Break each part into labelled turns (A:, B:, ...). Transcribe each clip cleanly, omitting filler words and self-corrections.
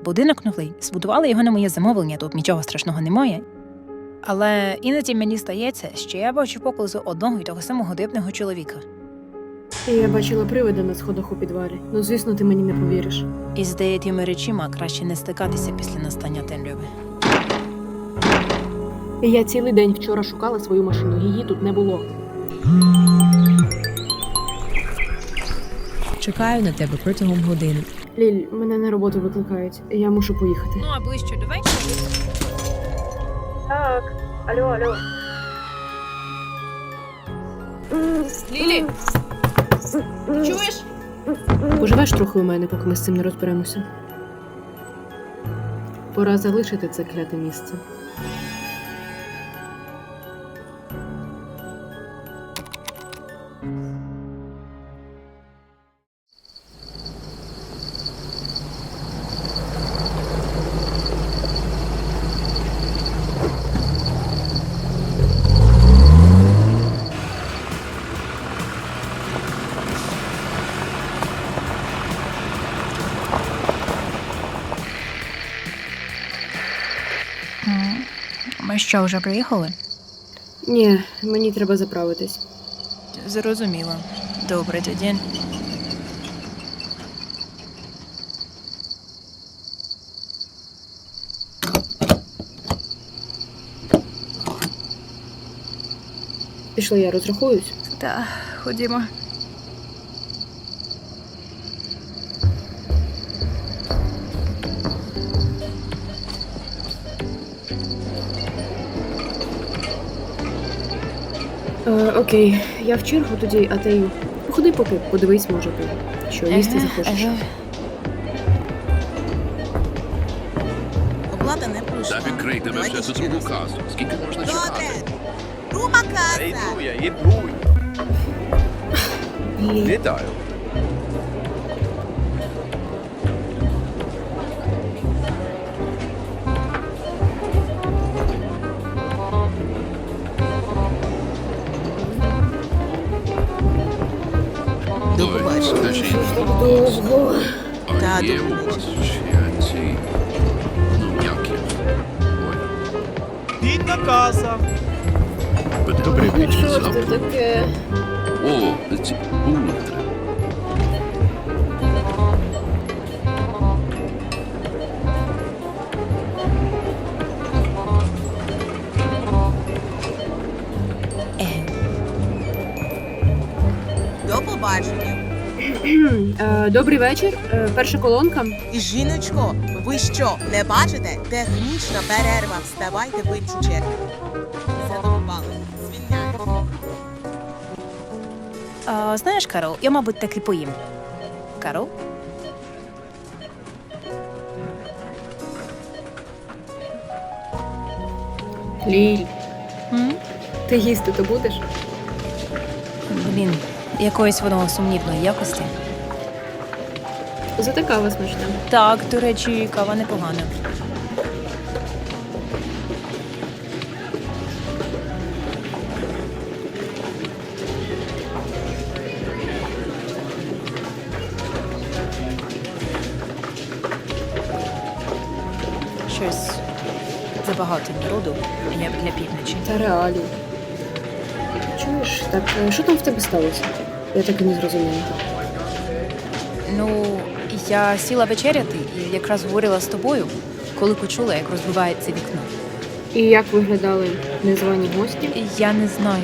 A: будинок новий, збудували його на моє замовлення, тут нічого страшного немає. Але іноді мені стається, що я бачу поблизу одного і того самого дивного чоловіка.
B: Я бачила привида на сходах у підвалі. Ну, звісно, ти мені не повіриш.
A: І з деякими речима краще не стикатися після настання темряви.
B: Я цілий день вчора шукала свою машину, її тут не було.
C: Чекаю на тебе протягом години.
B: Ліль, мене на роботу викликають. Я мушу поїхати.
A: Ну, а ближче до вечора?
B: Так. Алло.
D: Лілі! Чуєш?
B: Поживеш трохи у мене, поки ми з цим не розберемося. Пора залишити це кляте місце.
A: Ми що, вже приїхали?
B: Ні, мені треба заправитись.
A: Зрозуміло. Добре, тоді.
B: Пішли, я розрахуюсь.
A: Так, ходімо.
B: Окей, я в чергу тоді, а ти походи поки, подивись, може ти, що їсти захочеш.
D: Оплата не пройшла.
E: Та відкрийте ви вже за другу касу. Скільки можна
D: Добре.
E: чекати?
D: Друга
E: Та
D: каса.
E: йду. Вітаю.
D: До побачення.
E: Скажіть,
B: Довго.
E: а
D: Та,
E: є
D: до
E: у вас ще ці... Ну, як їх? Ой,
F: Бідна каса.
E: добрий вечір.
B: Що ж це
E: завтра.
B: таке?
E: О, ці бунтри.
D: До побачення.
B: Добрий вечір. Перша колонка.
D: І жіночко, ви що, не бачите? Технічна перерва. Вставайте в іншу чергу. Задовбали. Звільняю.
A: Знаєш, Карол, я, мабуть, таки поїм. Карол?
B: Ліль,
A: М?
B: ти їсти то будеш?
A: Блін, якоїсь воно сумнівної якості.
B: Зате кава смачна.
A: Так, до речі, кава непогана. Щось забагато народу, як для півночі.
B: Та реалії. Чуєш, так що там в тебе сталося? Я так і не зрозуміла.
A: Ну, я сіла вечеряти і якраз говорила з тобою, коли почула, як розбивається вікно.
B: І як виглядали незвані гості?
A: І я не знаю,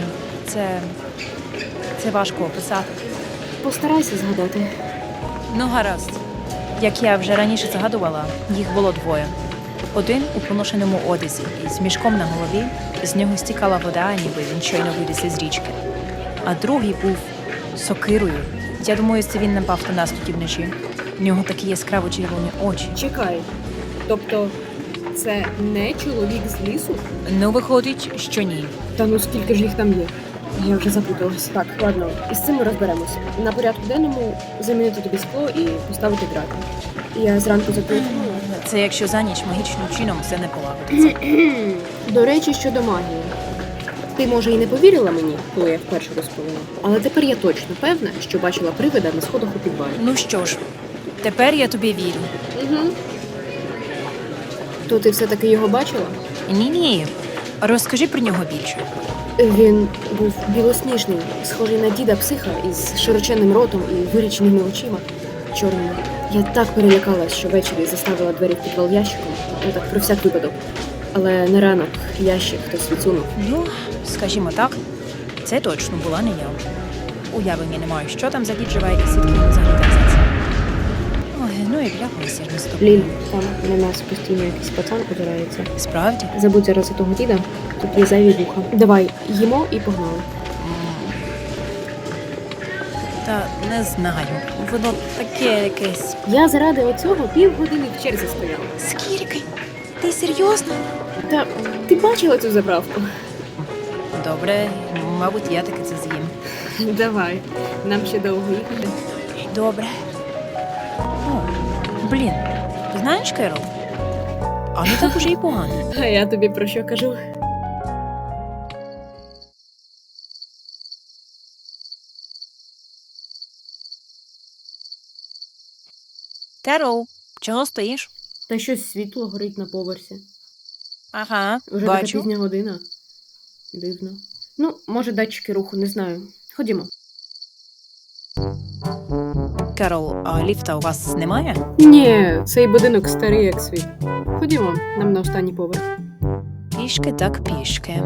A: це важко описати.
B: Постарайся згадати.
A: Ну, гаразд. Як я вже раніше згадувала, їх було двоє. Один у поношеному одязі із мішком на голові, з нього стікала вода, ніби він щойно виліз із річки. А другий був сокирою. Я думаю, це він напав на нас тоді вночі. В нього такі яскраво червоні очі.
B: Чекай. Тобто, це не чоловік з лісу?
A: Ну, виходить, що ні.
B: Та ну скільки ж їх там є? Я вже запуталась. Так, ладно, із цим ми розберемося. На порядку денному замінити тобі скло і поставити грати. Я зранку зателефоную.
A: Це якщо за ніч магічним чином все не полагодиться.
B: До речі, щодо магії. Ти, може, і не повірила мені, коли я вперше розповіла, але тепер я точно певна, що бачила привида на сходах у підвалі.
A: Ну що ж, тепер я тобі вірю.
B: Угу. То ти все-таки його бачила?
A: Ні. Розкажи про нього більше.
B: Він був білосніжний, схожий на діда психа із широченним ротом і виріченими очима чорними. Я так перелякалась, що ввечері заставила двері в підвал ящиком, так про всяк випадок. Але на ранок ящик хтось відсунув.
A: Ну, скажімо так, це точно була не я. Уявлення не маю, що там за дід живе і звідки він взагалі так за це. Ой, ну і бляхуйся ж з тобою.
B: Ліль, там на нас постійно якийсь пацан опирається.
A: Справді?
B: Забудь зараз у того діда, тут є зайві вуха. Давай, їмо і погнали.
A: Та не знаю. Воно таке якесь.
B: Я заради оцього півгодини в черзі стояла.
A: Скільки? Ти серйозно?
B: Та ти бачила цю заправку?
A: Добре, мабуть, я таки це з'їм.
B: Давай, нам ще довго їхати.
A: Добре. О, блін, знаєш, Керол? А не так уже й погано.
B: А я тобі про що кажу?
A: Керол, чого стоїш?
B: Та щось світло горить на поверсі.
A: Ага,
B: Вже така
A: бачу.
B: пізня година. Дивно. Ну, може, датчики руху, не знаю. Ходімо.
A: Керол, а ліфта у вас немає?
B: Ні, цей будинок старий, як світ. Ходімо, нам на останній поверх.
A: Пішки так пішки.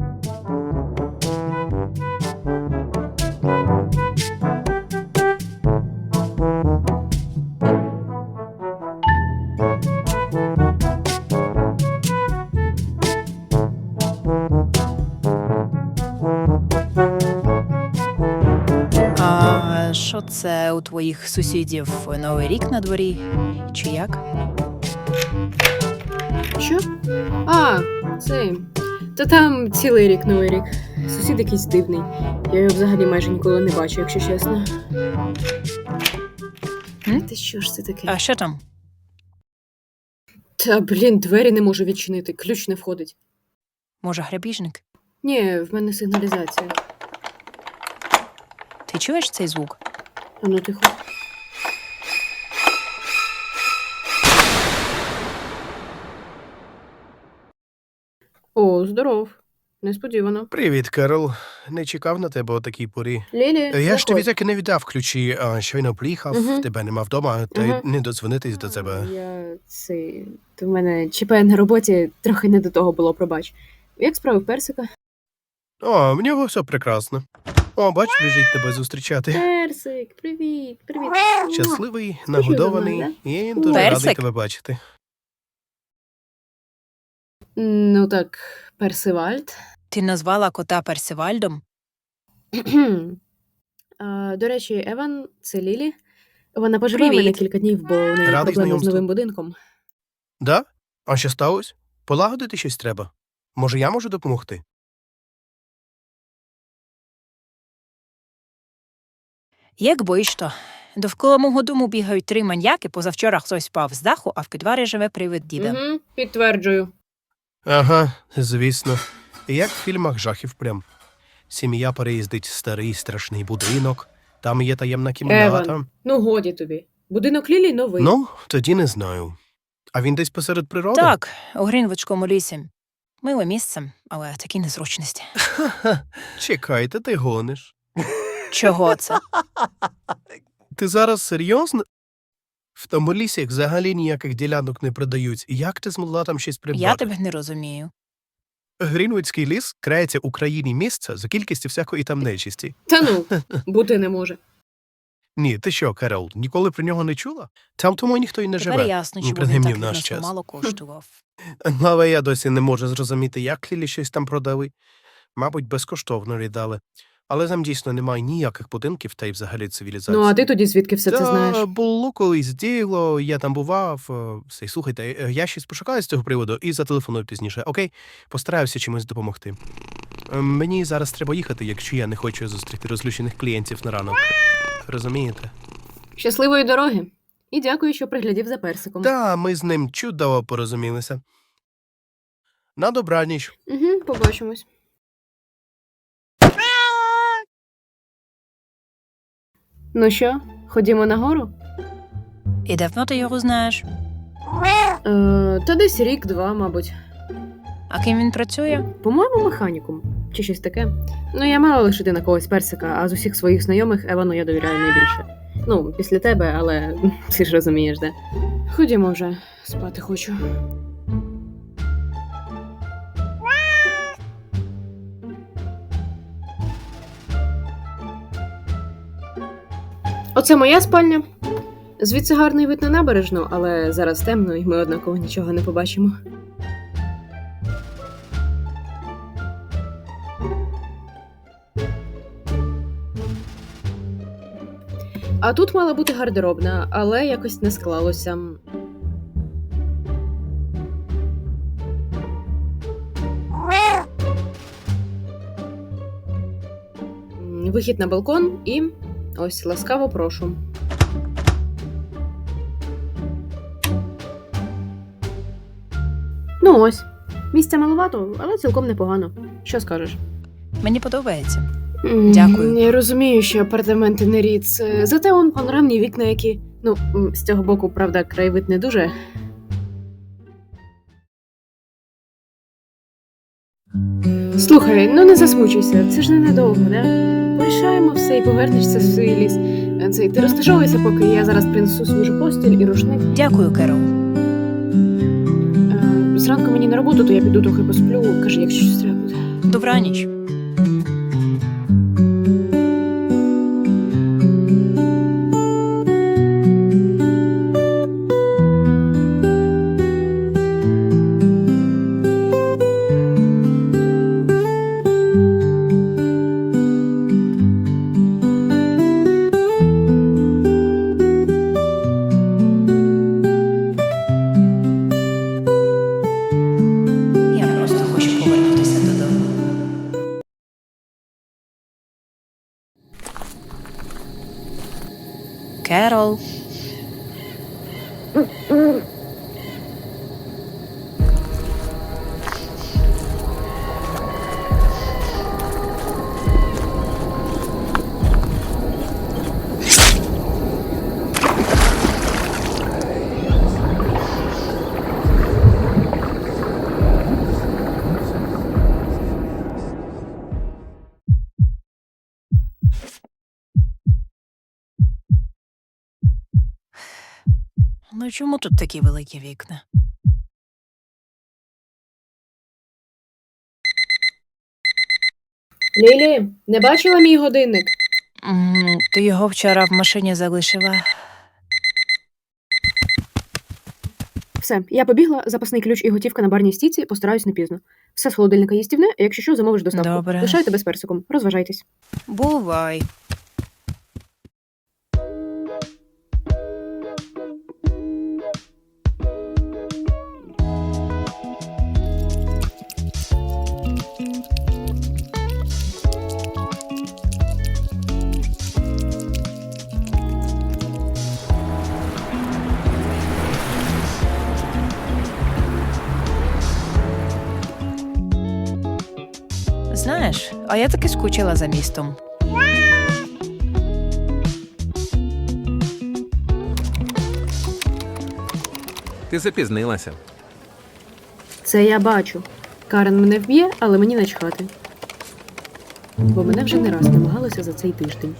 A: А що це у твоїх сусідів Новий рік на дворі? Чи як?
B: Що? А, це. Та там цілий рік новий рік. Сусід якийсь дивний. Я його взагалі майже ніколи не бачу, якщо чесно. Ти що ж це таке?
A: А що там?
B: Та, блін, двері не можу відчинити, ключ не входить.
A: Може, грабіжник?
B: Ні, в мене сигналізація.
A: Ти чуєш цей звук?
B: А ну тихо. О, здоров. Несподівано.
G: Привіт, Керол. Не чекав на тебе о такій порі.
B: Лілі,
G: Я ж
B: заходь.
G: тобі так і не віддав ключі, а щойно приїхав,
B: Мгм.
G: тебе нема вдома, та й
B: Ага.
G: не додзвонитись до тебе.
B: Я то в мене ЧП на роботі трохи не до того було, пробач. Як справи в персика?
G: О, в нього все прекрасно. О, бач, біжить тебе зустрічати.
B: Персик, привіт, привіт.
G: Щасливий,
B: за
G: нагодований,
B: мною,
G: і дуже
A: Персик?
G: радий тебе бачити.
B: Ну так, Персивальд.
A: Ти назвала кота Персивальдом?
B: До речі, Еван, це Лілі. Вона поживе в мене
A: Привіт.
B: кілька днів, бо у неї
G: Радий
B: проблеми з
G: знайомству.
B: новим будинком.
G: Да? А що сталося? Полагодити щось треба? Може, я можу допомогти?
A: Як боїш то? Довкола мого дому бігають 3 маньяки, позавчора хтось впав з даху, а в підварі живе привид діда.
B: Угу, підтверджую.
G: Ага, звісно. Як в фільмах жахів прям. Сім'я переїздить в старий страшний будинок, там є таємна кімната.
B: Еван, ну годі тобі. Будинок Лілі новий.
G: Ну, тоді не знаю. А він десь посеред природи?
A: Так, у Грінвудському лісі. Миле місце, але такі незручності.
G: Ха-ха. Чекайте, ти гониш.
A: Чого це?
G: Ти зараз серйозно? В тому лісі взагалі ніяких ділянок не продають. Як ти змогла там щось придбати?
A: Я тебе не розумію.
G: Грінвудський ліс крається у країні місця за кількістю всякої там нечисті.
B: Та ну, бути не може.
G: Ні, ти що, Керол, ніколи про нього не чула? Там тому ніхто й не
A: Тепер
G: живе.
A: ясно,
G: Ну,
A: чому він
G: принаймні
A: так
G: в наш
A: відносно
G: час.
A: мало коштував.
G: Але я досі не можу зрозуміти, як Лілі щось там продали. Мабуть, безкоштовно віддали. Але там дійсно немає ніяких будинків та й взагалі цивілізації.
B: Ну, а ти тоді звідки все це знаєш?
G: Було колись діло, я там бував. Все, слухайте, я щось пошукаю з цього приводу і зателефоную пізніше. Окей? Постараюся чимось допомогти. Мені зараз треба їхати, якщо я не хочу зустріти розлючених клієнтів на ранок. Розумієте?
B: Щасливої дороги. І дякую, що приглядів за персиком.
G: Та, ми з ним чудово порозумілися. На добраніч.
B: Угу, побачимось. Ну що, ходімо нагору?
A: І давно ти його знаєш?
B: Та десь рік-два, мабуть.
A: А ким він працює?
B: По-моєму, механіком. Чи щось таке. Ну, я мала лишити на когось персика, а з усіх своїх знайомих Евану я довіряю найбільше. Ну, після тебе, але ти ж розумієш, де. Ходімо вже, спати хочу. Оце моя спальня. Звідси гарний вид на набережну, але зараз темно, і ми однаково нічого не побачимо. А тут мала бути гардеробна, але якось не склалося. Вихід на балкон і ось ласкаво прошу. Ну ось. Місця маловато, але цілком непогано. Що скажеш?
A: Мені подобається. Дякую.
B: Я розумію, що апартаменти не ріц. Зате он панорамні вікна, які. Ну, з цього боку, правда, краєвид не дуже. Слухай, ну не засмучуйся, це ж ненадовго, да? Порішаємо все і повернешся в свій ліс. Ти розташовуйся, поки я зараз принесу свіжу постіль і рушник.
A: Дякую, Керол.
B: Зранку мені на роботу, то я піду трохи посплю. Кажи, якщо щось треба буде.
A: Добраніч. Я просто хочу повернутися додому. Керол. Ну чому тут такі великі вікна?
B: Лілі, не бачила мій годинник?
A: Ти його вчора в машині залишила.
B: Все, я побігла, запасний ключ і готівка на барній стійці, постараюсь не пізно. Все з холодильника їстівне, а якщо що, замовиш доставку.
A: Добре.
B: Лишаю тебе з персиком. Розважайтесь.
A: Бувай. Знаєш, а я таки скучила за містом.
H: Ти запізнилася.
B: Це я бачу. Карен мене вб'є, але мені начхати. Бо мене вже не раз намагалися за цей тиждень.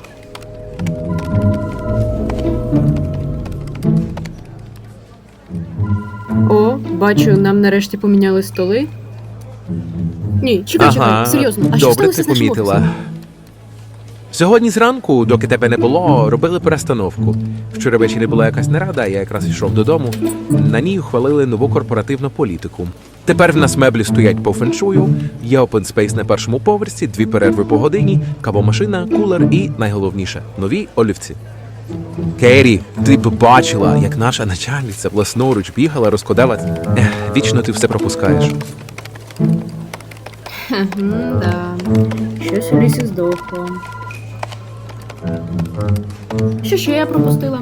B: О, бачу, нам нарешті поміняли столи. Ні, чекай, серйозно. А що
H: добре
B: сталося
H: ти
B: з нашим
H: помітила.
B: офісом?
H: Сьогодні зранку, доки тебе не було, робили перестановку. Вчора ввечері була якась нарада, я якраз йшов додому. На ній ухвалили нову корпоративну політику. Тепер в нас меблі стоять по феншую, є open space на першому поверсі, 2 перерви по годині, кавомашина, кулер і, найголовніше, нові олівці. Керрі, ти б бачила, як наша начальниця власноруч бігала, розкладала. Вічно ти все пропускаєш.
B: Да. Щось у лісі здохло. Що ще я пропустила?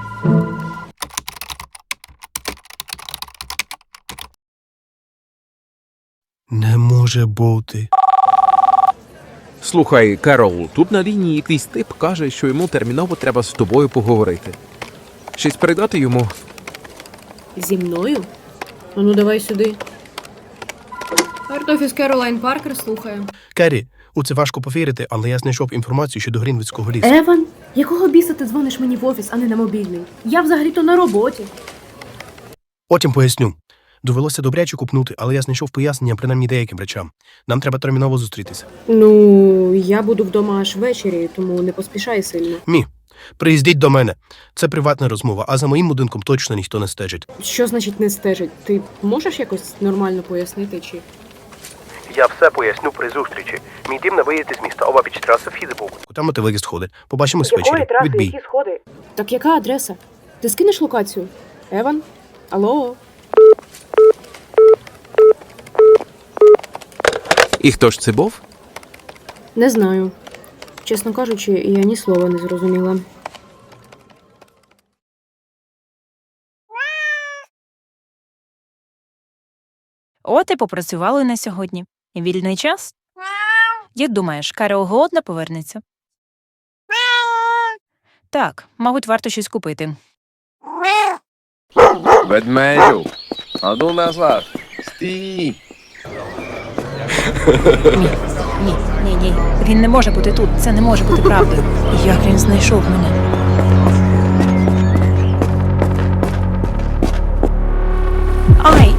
G: Не може бути.
H: Слухай, Керол, тут на лінії якийсь тип каже, що йому терміново треба з тобою поговорити. Щось передати йому?
B: Зі мною? Ну, давай сюди. Арт-офіс Керолайн Паркер слухає.
G: Керрі, у це важко повірити, але я знайшов інформацію щодо Грінвудського лісу.
B: Еван, якого біса ти дзвониш мені в офіс, а не на мобільний? Я взагалі-то на роботі.
G: Потім поясню. Довелося добряче купнути, але я знайшов пояснення принаймні деяким речам. Нам треба терміново зустрітися.
B: Ну, я буду вдома аж ввечері, тому не поспішай сильно.
G: Приїздіть до мене. Це приватна розмова, а за моїм будинком точно ніхто не стежить.
B: Що значить не стежить? Ти можеш якось нормально пояснити, чи...
G: Я все поясню при зустрічі. Мій дім на виїзді з міста обабіч траси Фізибук. Там ти виїзд сходи. Побачимось ввечері. Відбій.
B: сходи? Так яка адреса? Ти скинеш локацію? Еван? Алло?
H: І хто ж це був?
B: Не знаю. Чесно кажучи, я ні слова не зрозуміла.
A: От і попрацювали на сьогодні. Вільний час? Як думаєш, Карол голодна повернеться? Так, мабуть, варто щось купити.
E: Ведмедю, а ну назад. Стій.
A: Ні. Він не може бути тут. Це не може бути правдою. Як він знайшов мене? Ай!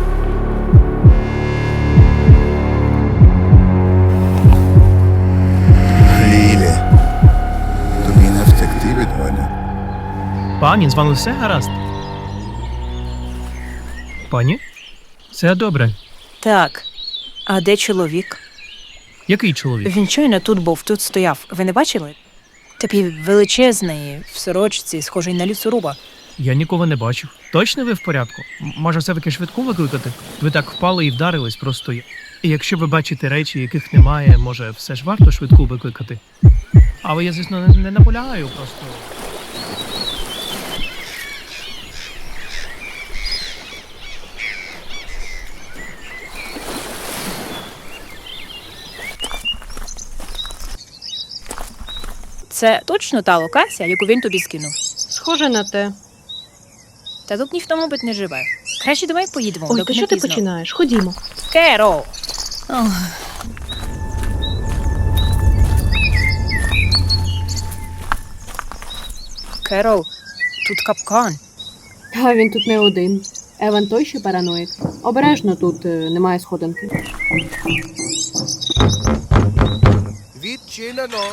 I: Лілі, тобі не втекти від мене.
F: Пані, з вами все гаразд? Пані? Все добре.
A: Так. А де чоловік?
F: Який чоловік?
A: Він щойно тут був, тут стояв. Ви не бачили? Такий величезний, в сорочці, схожий на лісоруба.
F: Я нікого не бачив. Точно ви в порядку? Може, все-таки швидку викликати? Ви так впали і вдарились просто. І якщо ви бачите речі, яких немає, може, все ж варто швидку викликати? Але я, звісно, не наполягаю просто.
A: Це точно та локація, яку він тобі скинув.
B: Схоже на те.
A: Та тут ніхто, мабуть, не живе. Краще давай поїдемо,
B: Ой,
A: доки
B: ти
A: не
B: що ти
A: пізно.
B: починаєш? Ходімо.
A: Керол! Ох. Керол, тут капкан.
B: А він тут не один. Еван той, що параноїк. Обережно тут немає сходинки.
G: Відчинено.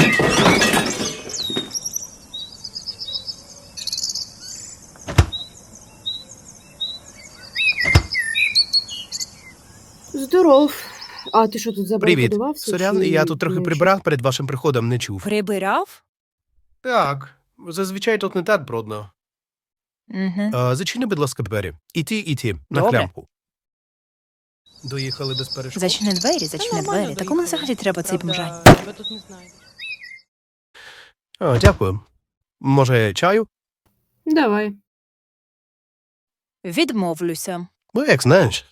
B: Здоров. А ти що тут
G: Привіт.
B: забарикадувався?
G: Сорян,
B: чи
G: я тут трохи
B: не
G: прибирав перед вашим приходом, не чув.
A: Прибирав?
G: Так, зазвичай тут не так брудно.
A: Угу.
G: Зачини, будь ласка, двері. Іти, на
A: Добре.
G: клямку. Доїхали без перешкод.
A: Зачини двері. Та кому взагалі треба цей бомжань?
B: Тебе тут не знайду.
G: Дякую. Може, чаю?
B: Давай.
A: Відмовлюся.
G: Ну, як знаєш.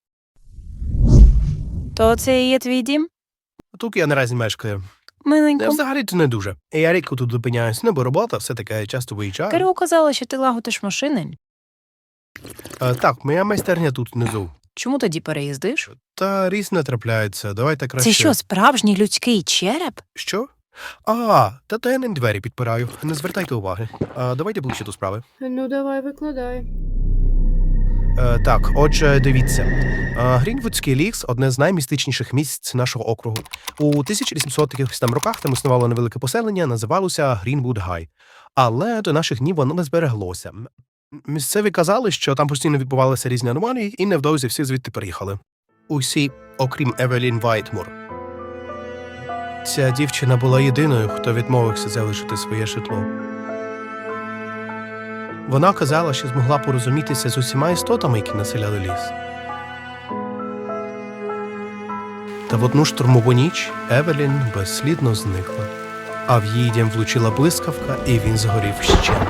A: То це і є твій дім?
G: Тут я наразі мешкаю.
A: Миленько.
G: Взагалі-то не дуже. Я рідко тут зупиняюсь, бо робота все таке часто виїжджаю.
A: Карол казала, що ти лагодиш машини.
G: Так, моя майстерня тут внизу.
A: Чому тоді переїздиш?
G: Та різне трапляється. Давайте краще.
A: Це що, справжній людський череп?
G: Що? Та я не двері підпираю. Не звертайте уваги. Давайте ближче до справи.
B: Ну, давай, викладай.
G: Так, отже, дивіться. Грінвудський ліс – одне з наймістичніших місць нашого округу. У 1800 роках там існувало невелике поселення, називалося Грінвуд Гай. Але до наших днів воно не збереглося. Місцеві казали, що там постійно відбувалися різні аномалії, і невдовзі всі звідти переїхали. Усі, окрім Евелін Вайтмур. Ця дівчина була єдиною, хто відмовився залишити своє житло. Вона казала, що змогла порозумітися з усіма істотами, які населяли ліс. Та в одну штурмову ніч Евелін безслідно зникла, а в її дім влучила блискавка, і він згорів вщент.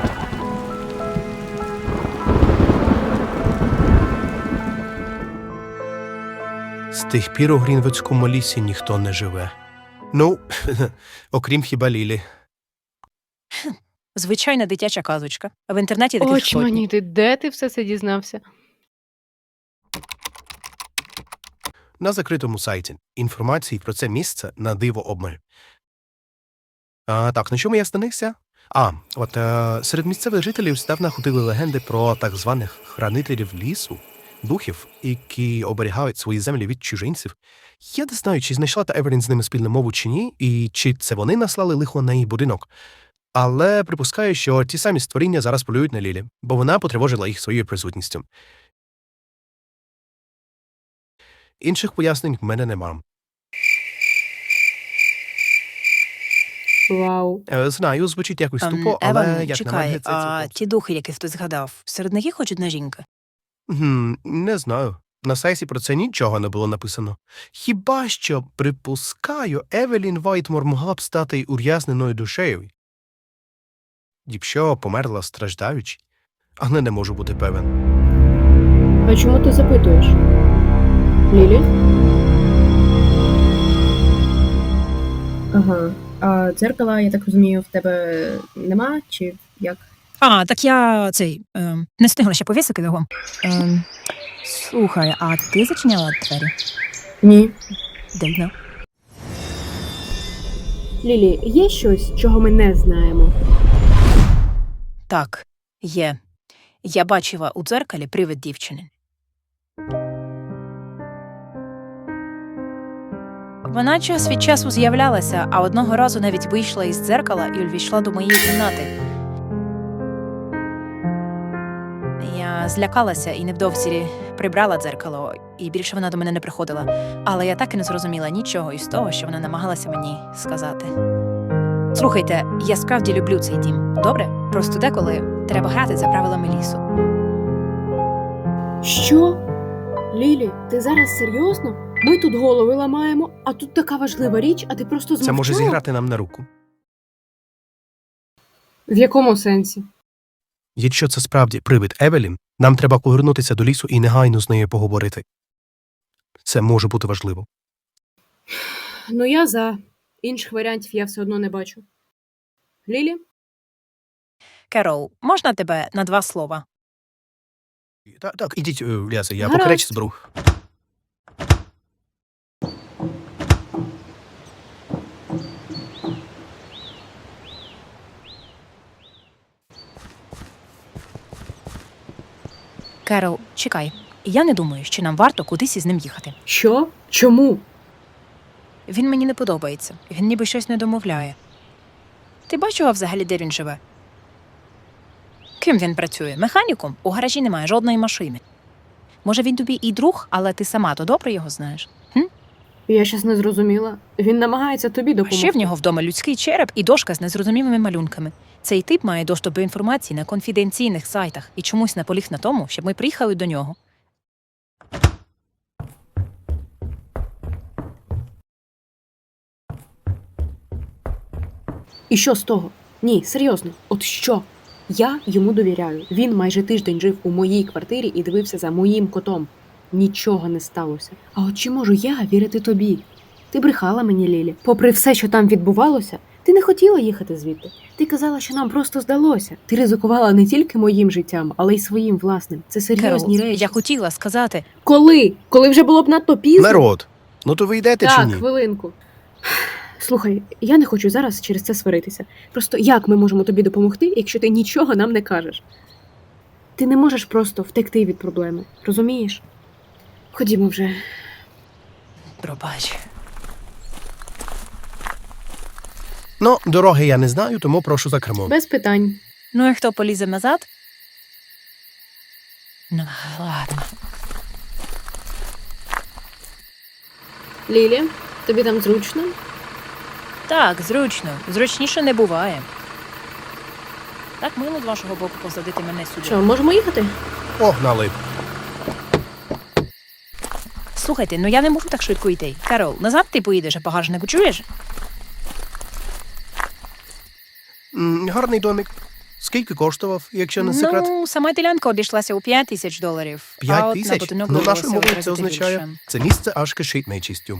G: З тих пір у Грінвудському лісі ніхто не живе. Ну, окрім хіба Лілі.
A: Звичайна дитяча казочка. В інтернеті таких сотні.
B: Очманіти, де ти все це дізнався?
G: На закритому сайті. Інформації про це місце на диво обмаль. Так, на чому я станився? Серед місцевих жителів здавна ходили легенди про так званих хранителів лісу, духів, які оберігають свої землі від чужинців. Я не знаю, чи знайшла та Евелін з ними спільну мову чи ні, і чи це вони наслали лихо на її будинок. Але припускаю, що ті самі створіння зараз полюють на Лілі, бо вона потривожила їх своєю присутністю. Інших пояснень в мене нема.
B: Вау.
G: Знаю, звучить якось тупо, але
A: Еван,
G: як на
A: чекай,
G: мене, це
A: а
G: цілком.
A: ті духи, яких ти згадав, серед них є хоч одна жінка?
G: Не знаю. На сайті про це нічого не було написано. Хіба що, припускаю, Евелін Вайтмор могла б стати ур'язненою душею. Якщо померла страждаючи, але не можу бути певен.
B: А чому ти запитуєш? Лілі? Ага. А дзеркала, я так розумію, в тебе нема, чи як?
A: Так я не встигла ще повісити його. Слухай, а ти зачиняла двері?
B: Ні.
A: Дивно.
B: Лілі, є щось, чого ми не знаємо?
A: Так, є. Я бачила у дзеркалі привид дівчини. Вона час від часу з'являлася, а одного разу навіть вийшла із дзеркала і увійшла до моєї кімнати. Я злякалася і невдовзі прибрала дзеркало, і більше вона до мене не приходила. Але я так і не зрозуміла нічого із того, що вона намагалася мені сказати. Слухайте, я справді люблю цей дім. Добре? Просто деколи треба грати за правилами лісу.
B: Що? Лілі, ти зараз серйозно? Ми тут голови ламаємо, а тут така важлива річ, а ти просто змовчала?
G: Це може зіграти нам на руку.
B: В якому сенсі?
G: Якщо це справді привид Евелін, нам треба повернутися до лісу і негайно з нею поговорити. Це може бути важливо.
B: Ну, я за. Інших варіантів я все одно не бачу. Лілі?
A: Керол, можна тебе на 2 слова?
G: Так, ідіть, Лясе, я
B: Гаразд.
G: поки речі зберу.
A: Керол, чекай. Я не думаю, що нам варто кудись із ним їхати.
B: Що? Чому?
A: Він мені не подобається. Він ніби щось не домовляє. Ти бачила взагалі, де він живе? Ким він працює? Механіком? У гаражі немає жодної машини. Може, він тобі і друг, але ти сама то добре його знаєш?
B: Я щас не зрозуміла. Він намагається тобі
A: А
B: допомогти.
A: ще в нього вдома людський череп і дошка з незрозумілими малюнками. Цей тип має доступ до інформації на конфіденційних сайтах і чомусь наполіг на тому, щоб ми приїхали до нього.
B: І що з того? Ні, серйозно, от що? Я йому довіряю. Він майже тиждень жив у моїй квартирі і дивився за моїм котом. Нічого не сталося. А от чи можу я вірити тобі? Ти брехала мені, Лілі. Попри все, що там відбувалося, ти не хотіла їхати звідти. Ти казала, що нам просто здалося. Ти ризикувала не тільки моїм життям, але й своїм власним. Це серйозні
A: Керол,
B: речі.
A: я хотіла сказати,
B: Коли? Коли вже було б надто пізно?
G: Народ, ну то ви йдете чи
B: Так,
G: ні?
B: хвилинку. Слухай, я не хочу зараз через це сваритися. Просто як ми можемо тобі допомогти, якщо ти нічого нам не кажеш? Ти не можеш просто втекти від проблеми, розумієш? Ходімо вже.
A: пробач.
G: Ну, дороги я не знаю, тому прошу за кермо.
B: Без питань.
A: Ну і хто полізе назад? Ну, ладно.
B: Лілі, тобі там зручно?
A: Так, зручно. Зручніше не буває. Так мило з вашого боку посадити мене сюди.
B: Що, можемо їхати?
G: Погнали.
A: Слухайте, ну я не можу так швидко йти. Карол, назад ти поїдеш, а багажнику чуєш?
G: Гарний домик. Скільки коштував, якщо не секрет?
A: Ну, сама ділянка обійшлася у $5000.
G: 5
A: а от
G: тисяч?
A: на будинок
G: Ну,
A: довелося
G: нашою мовою
A: в
G: це
A: 3 рази
G: означає,
A: більше.
G: це місце аж кишить нечистю.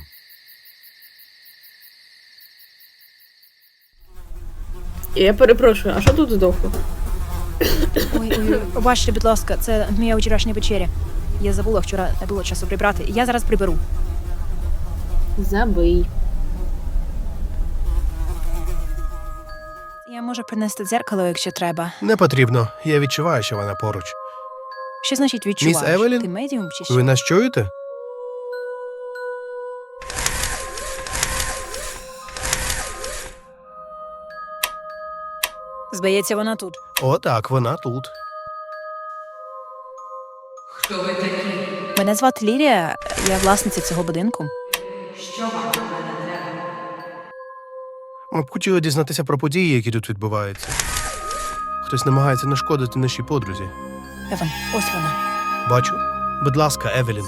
B: Я перепрошую, а що тут здохло?
A: Ой, пробачте, будь ласка, це моя вчорашня вечеря. Я забула, вчора не було часу прибрати. Я зараз приберу.
B: Забий.
A: Я можу принести дзеркало, якщо треба.
G: Не потрібно. Я відчуваю, що вона поруч.
A: Що значить відчуваєш?
G: Міс Евелін?
A: Ти медіум чи що?
G: Ви нас чуєте?
A: Здається, вона тут.
G: О, так, вона тут.
A: Мене звати Лілія, я власниця цього будинку.
G: Ми б хотіли дізнатися про події, які тут відбуваються. Хтось намагається нашкодити нашій подрузі.
A: Еван, ось вона.
G: Бачу. Будь ласка, Евелін.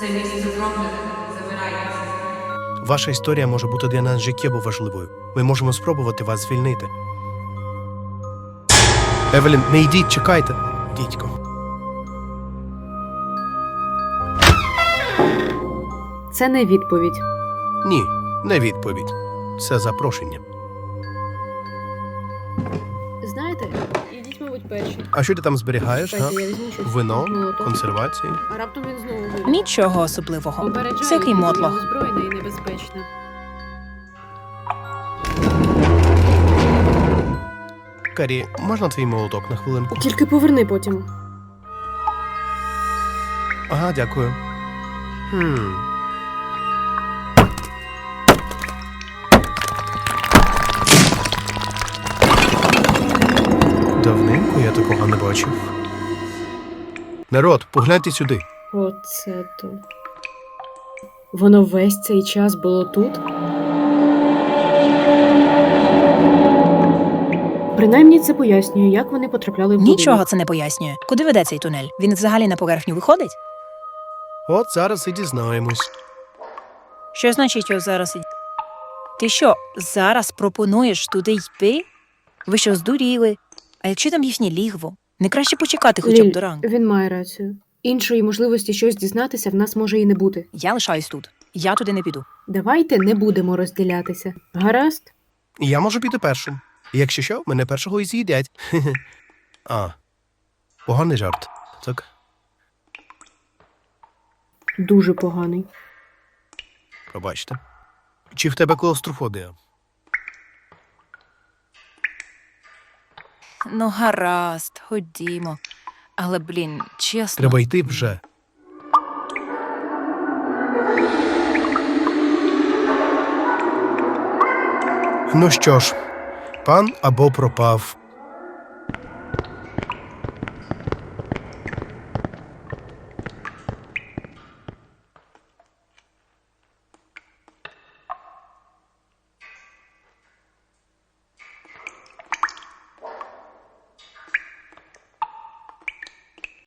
G: Ваша історія може бути для нас життєво важливою. Ми можемо спробувати вас звільнити. Евелін, не йдіть, чекайте. Дідько.
B: Це не відповідь.
G: Ні, не відповідь. Це запрошення.
B: Знаєте, ідіть, мабуть, перші.
G: А що ти там зберігаєш, га?
B: Чекайте, я візьму щось.
G: Вино,
B: Молоток.
G: консервації.
B: А раптом він знову вийде.
A: Нічого особливого.
B: Попереджаю,
A: Всякий
B: я
A: мотлох.
B: озброєна і небезпечна.
G: Карі, можна твій молоток на хвилинку?
B: Тільки поверни потім.
G: Ага, дякую. Давненько я такого не бачив. Народ, погляньте сюди.
B: Оце то. Воно весь цей час було тут? Принаймні це пояснює, як вони потрапляли в будинок.
A: Нічого це не пояснює. Куди веде цей тунель? Він взагалі на поверхню виходить?
G: От зараз і дізнаємось.
A: Що значить його зараз? Ти що, зараз пропонуєш туди йти? Ви що, здуріли? А якщо там їхнє лігво? Не краще почекати хоча б
B: Ліль,
A: до ранку.
B: він має рацію. Іншої можливості щось дізнатися в нас може і не бути.
A: Я лишаюсь тут. Я туди не піду.
B: Давайте не будемо розділятися. Гаразд?
G: Я можу піти першим. Якщо що, мене першого і з'їдять. А, поганий жарт. Так?
B: Дуже поганий.
G: Пробачте. Чи в тебе клаустрофобія?
A: Ну, гаразд, ходімо. Але, блін, чесно.
G: Треба йти вже. Ну що ж, пан або пропав.